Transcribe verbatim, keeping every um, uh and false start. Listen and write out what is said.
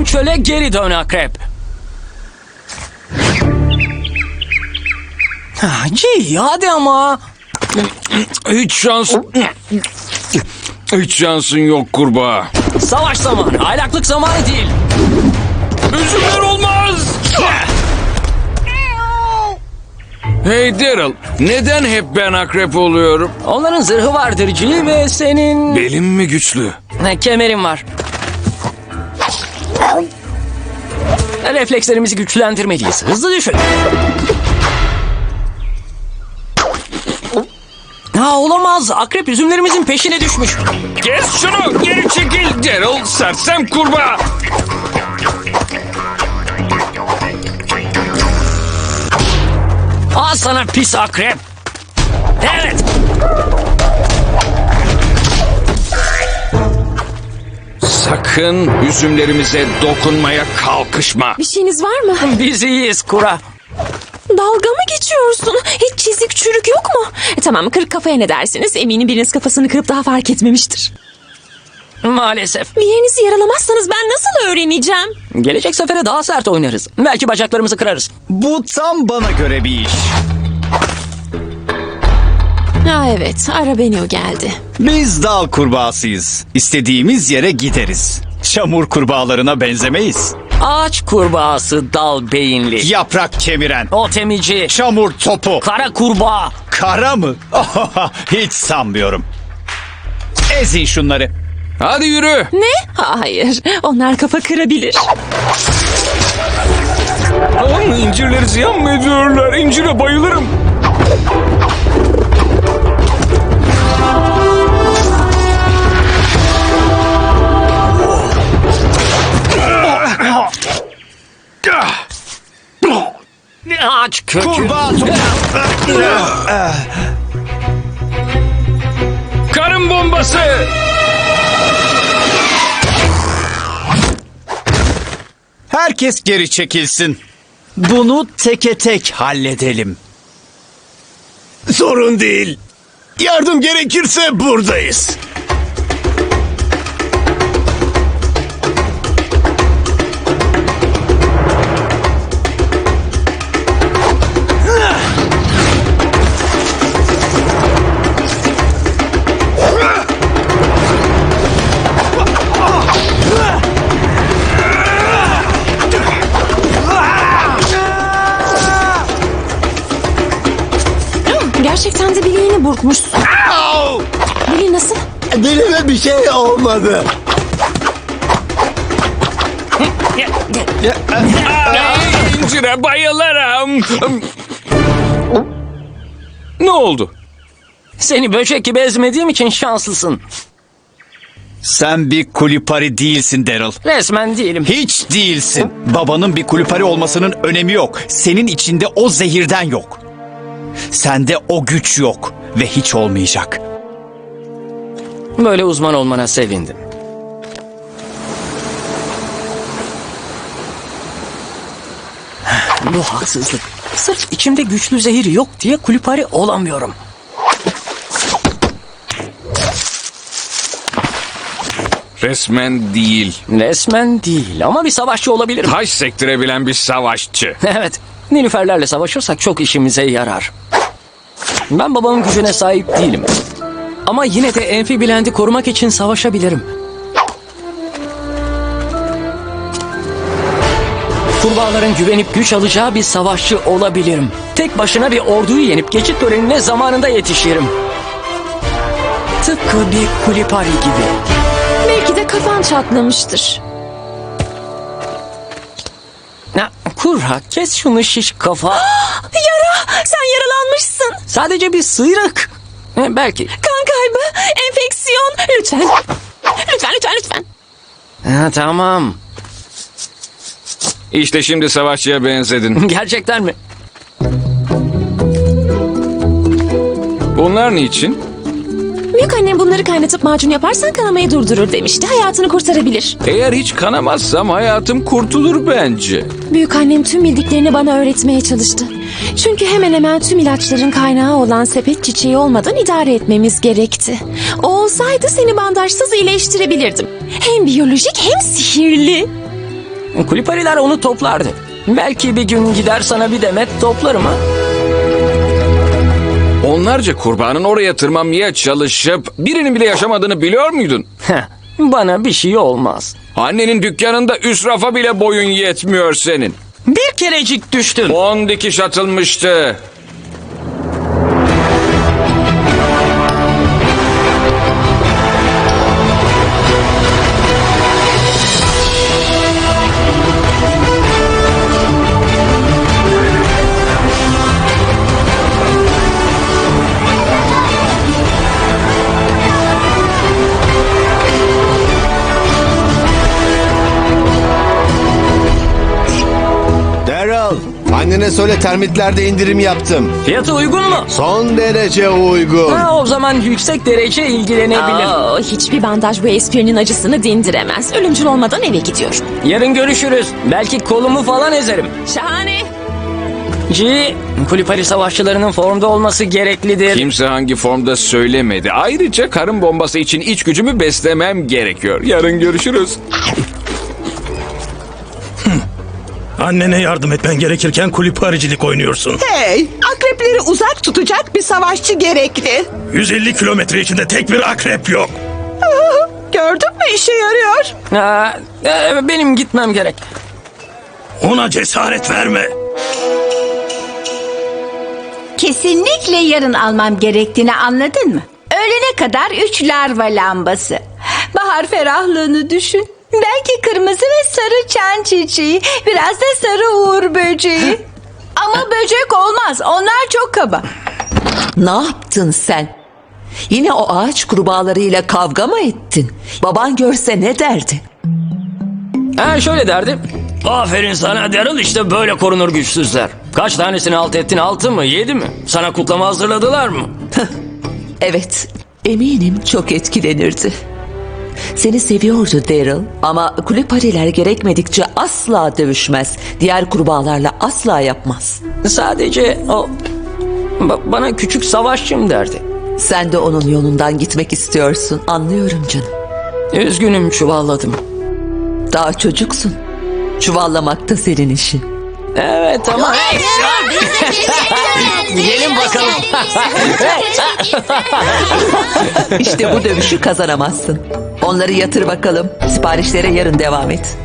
Ölüm çöle geri dön akrep. Ah, G, hadi ama. Hiç şans... Hiç şansın yok kurbağa. Savaş zamanı, aylaklık zamanı değil. Üzümler olmaz. Hey Daryl, neden hep ben akrep oluyorum? Onların zırhı vardır G ve senin... Belim mi güçlü? Ne, kemerin var. Reflekslerimizi güçlendirmeliyiz. Hızlı düşün. Ha, olamaz. Akrep üzümlerimizin peşine düşmüş. Kes şunu, geri çekil Daryl, sersem kurbağa. Al sana pis akrep. Evet. Sakın üzümlerimize dokunmaya kalkışma. Bir şeyiniz var mı? Biz iyiyiz Kura. Dalga mı geçiyorsun? Hiç çizik çürük yok mu? E, tamam, kırık kafaya ne dersiniz? Eminim biriniz kafasını kırıp daha fark etmemiştir. Maalesef. Bir yerinizi yaralamazsanız ben nasıl öğreneceğim? Gelecek sefere daha sert oynarız. Belki bacaklarımızı kırarız. Bu tam bana göre bir iş. Ha evet, Arabenio geldi. Biz dal kurbağasıyız. İstediğimiz yere gideriz. Çamur kurbağalarına benzemeyiz. Ağaç kurbağası dal beyinli. Yaprak kemiren. Otemici. Çamur topu. Kara kurbağa. Kara mı? Hiç sanmıyorum. Ezin şunları. Hadi yürü. Ne? Hayır, onlar kafa kırabilir. Aman, incirleri ziyan mı ediyorlar? İncire bayılırım. Ağaç kökü. Kurbağa Karın bombası. Herkes geri çekilsin. Bunu teke tek halledelim. Sorun değil. Yardım gerekirse buradayız. Gerçekten de bileğini burkmuşsun. Bileği nasıl? Dilime bir şey olmadı. İncire bayılırım. Ne oldu? Seni böcek gibi ezmediğim için şanslısın. Sen bir kulipari değilsin Daryl. Resmen değilim. Hiç değilsin. Babanın bir kulipari olmasının önemi yok. Senin içinde o zehirden yok. Sende o güç yok ve hiç olmayacak. Böyle uzman olmana sevindim. Bu haksızlık. Sırf içimde güçlü zehir yok diye kulüpari olamıyorum. Resmen değil. Resmen değil ama bir savaşçı olabilirim. Taş sektirebilen bir savaşçı. Evet, Nilüferlerle savaşırsak çok işimize yarar. Ben babamın gücüne sahip değilim. Ama yine de Amphibiland'i korumak için savaşabilirim. Kurbağaların güvenip güç alacağı bir savaşçı olabilirim. Tek başına bir orduyu yenip geçit törenine zamanında yetişirim. Tıpkı bir kulipari gibi. Belki de kafan çatlamıştır. Ya, Kurra, kes şunu şiş kafa. Yara! Sen yaralanmışsın. Sadece bir sıyrık. E, belki. Kan kaybı, enfeksiyon. Lütfen. Lütfen, lütfen, lütfen. Ha, tamam. İşte şimdi savaşçıya benzedin. Gerçekten mi? Bunlar niçin? Büyük annem bunları kaynatıp macun yaparsan kanamayı durdurur demişti. Hayatını kurtarabilir. Eğer hiç kanamazsam hayatım kurtulur bence. Büyük annem tüm bildiklerini bana öğretmeye çalıştı. Çünkü hemen hemen tüm ilaçların kaynağı olan sepet çiçeği olmadan idare etmemiz gerekti. O olsaydı seni bandajsız iyileştirebilirdim. Hem biyolojik hem sihirli. Kulipariler onu toplardı. Belki bir gün gider sana bir demet toplarım ha. Onlarca kurbanın oraya tırmanmaya çalışıp birinin bile yaşamadığını biliyor muydun? Heh, bana bir şey olmaz. Annenin dükkanında üst rafa bile boyun yetmiyor senin. Bir kerecik düştüm. On dikiş atılmıştı. Daryl, annene söyle termitlerde indirim yaptım. Fiyatı uygun mu? Son derece uygun. Ha, o zaman yüksek derece ilgilenebilirim. Aa, hiçbir bandaj bu esprinin acısını dindiremez. Ölümcül olmadan eve gidiyor. Yarın görüşürüz. Belki kolumu falan ezerim. Şahane. G, Kulipari savaşçılarının formda olması gereklidir. Kimse hangi formda söylemedi. Ayrıca karın bombası için iç gücümü beslemem gerekiyor. Yarın görüşürüz. Annene yardım etmen gerekirken kulüparicilik oynuyorsun. Hey, akrepleri uzak tutacak bir savaşçı gerekli. yüz elli kilometre içinde tek bir akrep yok. Gördün mü işe yarıyor. Ha, e, benim gitmem gerek. Ona cesaret verme. Kesinlikle yarın almam gerektiğini anladın mı? Öğlene kadar üç larva lambası. Bahar ferahlığını düşün. Belki kırmızı ve sarı çan çiçeği. Biraz da sarı uğur böceği. Ama böcek olmaz. Onlar çok kaba. Ne yaptın sen? Yine o ağaç kurbağalarıyla kavga mı ettin? Baban görse ne derdi? Ha, şöyle derdim. Aferin sana Daryl, işte böyle korunur güçsüzler. Kaç tanesini alt ettin, altı mı yedi mi? Sana kutlama hazırladılar mı? Evet, eminim çok etkilenirdi. Seni seviyordu Daryl ama kulüpariler gerekmedikçe asla dövüşmez. Diğer kurbağalarla asla yapmaz. Sadece o ba- bana küçük savaşçım derdi. Sen de onun yolundan gitmek istiyorsun, anlıyorum canım. Üzgünüm, çuvalladım. Daha çocuksun. Çuvallamak da senin işin. Evet ama... Gelin bakalım. İşte bu dövüşü kazanamazsın. Onları yatır bakalım. Siparişlere yarın devam et.